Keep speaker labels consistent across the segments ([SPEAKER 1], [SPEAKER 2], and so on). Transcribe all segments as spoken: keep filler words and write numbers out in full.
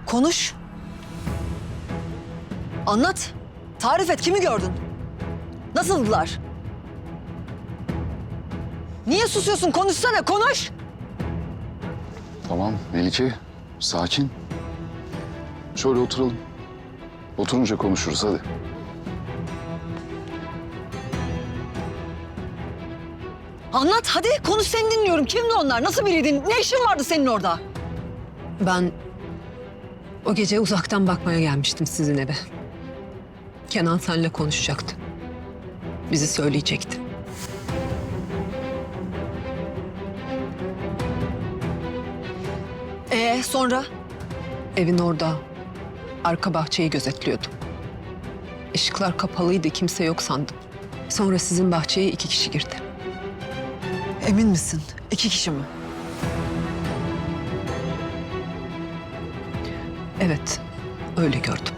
[SPEAKER 1] Konuş. Anlat. Tarif et, kimi gördün? Nasıldılar? Niye susuyorsun? Konuşsana, konuş.
[SPEAKER 2] Tamam Melike, sakin. Şöyle oturalım. Oturunca konuşuruz hadi.
[SPEAKER 1] Anlat hadi, konuş, seni dinliyorum. Kimdi onlar? Nasıl biriydin? Ne işin vardı senin orada?
[SPEAKER 3] Ben o gece uzaktan bakmaya gelmiştim sizin eve. Kenan seninle konuşacaktı. Bizi söyleyecekti.
[SPEAKER 1] Ee sonra?
[SPEAKER 3] Evin orada arka bahçeyi gözetliyordum. Işıklar kapalıydı, kimse yok sandım. Sonra sizin bahçeye iki kişi girdi.
[SPEAKER 1] Emin misin? İki kişi mi?
[SPEAKER 3] Evet, öyle gördüm.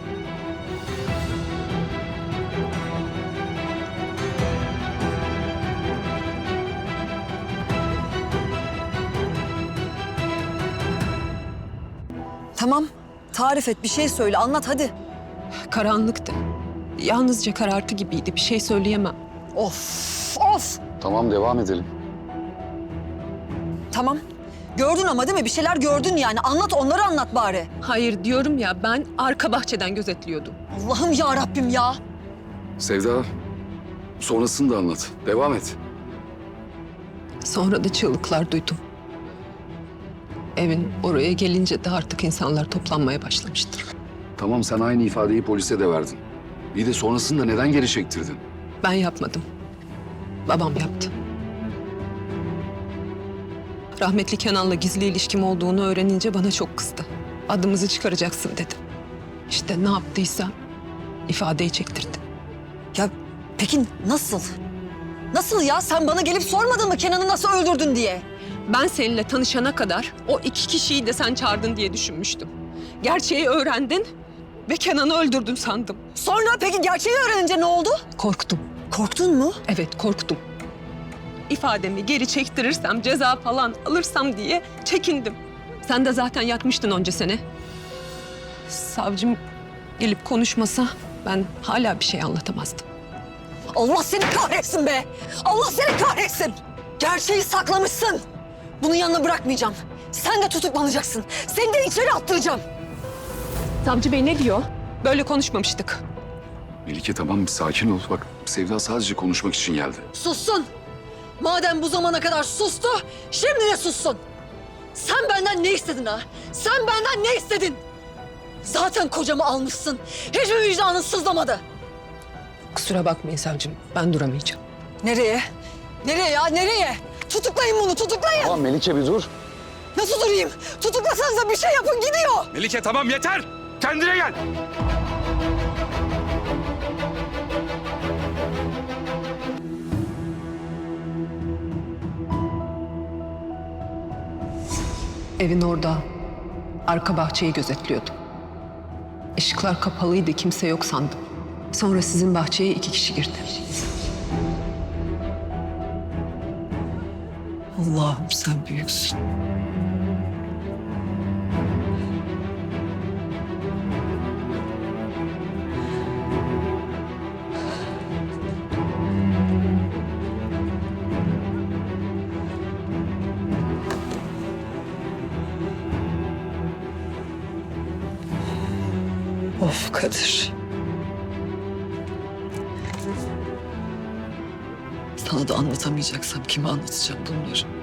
[SPEAKER 1] Tamam. Tarif et, bir şey söyle, anlat hadi.
[SPEAKER 3] Karanlıktı. Yalnızca karartı gibiydi, bir şey söyleyemem.
[SPEAKER 1] Of, of.
[SPEAKER 2] Tamam devam edelim.
[SPEAKER 1] Tamam. Gördün ama değil mi? Bir şeyler gördün yani. Anlat, onları anlat bari.
[SPEAKER 3] Hayır diyorum ya, ben arka bahçeden gözetliyordum.
[SPEAKER 1] Allah'ım ya Rabbim ya.
[SPEAKER 2] Sevda, sonrasını da anlat. Devam et.
[SPEAKER 3] Sonra da çığlıklar duydum. Evin oraya gelince de artık insanlar toplanmaya başlamıştır.
[SPEAKER 2] Tamam sen aynı ifadeyi polise de verdin. Bir de sonrasında neden geri çektirdin?
[SPEAKER 3] Ben yapmadım. Babam yaptı. Rahmetli Kenan'la gizli ilişkim olduğunu öğrenince bana çok kızdı. Adımızı çıkaracaksın dedi. İşte ne yaptıysa ifadeyi çektirdi.
[SPEAKER 1] Ya peki nasıl? Nasıl ya? Sen bana gelip sormadın mı Kenan'ı nasıl öldürdün diye?
[SPEAKER 3] Ben seninle tanışana kadar o iki kişiyi de sen çağırdın diye düşünmüştüm. Gerçeği öğrendin ve Kenan'ı öldürdün sandım.
[SPEAKER 1] Sonra peki gerçeği öğrenince ne oldu?
[SPEAKER 3] Korktum.
[SPEAKER 1] Korktun mu?
[SPEAKER 3] Evet, korktum. İfademi geri çektirirsem, ceza falan alırsam diye çekindim. Sen de zaten yatmıştın onca sene. Savcım gelip konuşmasa ben hala bir şey anlatamazdım.
[SPEAKER 1] Allah seni kahretsin be! Allah seni kahretsin! Gerçeği saklamışsın. Bunu yanına bırakmayacağım. Sen de tutuklanacaksın. Seni de içeri attıracağım.
[SPEAKER 3] Savcı bey ne diyor? Böyle konuşmamıştık.
[SPEAKER 2] Melike tamam bir sakin ol. Bak Sevda sadece konuşmak için geldi.
[SPEAKER 1] Sussun. Madem bu zamana kadar sustu, şimdi de sussun. Sen benden ne istedin ha? Sen benden ne istedin? Zaten kocamı almışsın. Hiç mi vicdanın sızlamadı?
[SPEAKER 3] Kusura bakmayın savcım, ben duramayacağım.
[SPEAKER 1] Nereye? Nereye ya? Nereye? Tutuklayın bunu, tutuklayın.
[SPEAKER 2] Tamam Melike bir dur.
[SPEAKER 1] Nasıl durayım? Tutuklasanıza bir şey yapın, gidiyor.
[SPEAKER 4] Melike tamam yeter. Kendine gel.
[SPEAKER 3] Evin orada arka bahçeyi gözetliyordum. Işıklar kapalıydı, kimse yok sandım. Sonra sizin bahçeye iki kişi girdi.
[SPEAKER 1] Allah'ım sen büyüksün. Of Kadir. Sana da anlatamayacaksam kime anlatacağım bunları?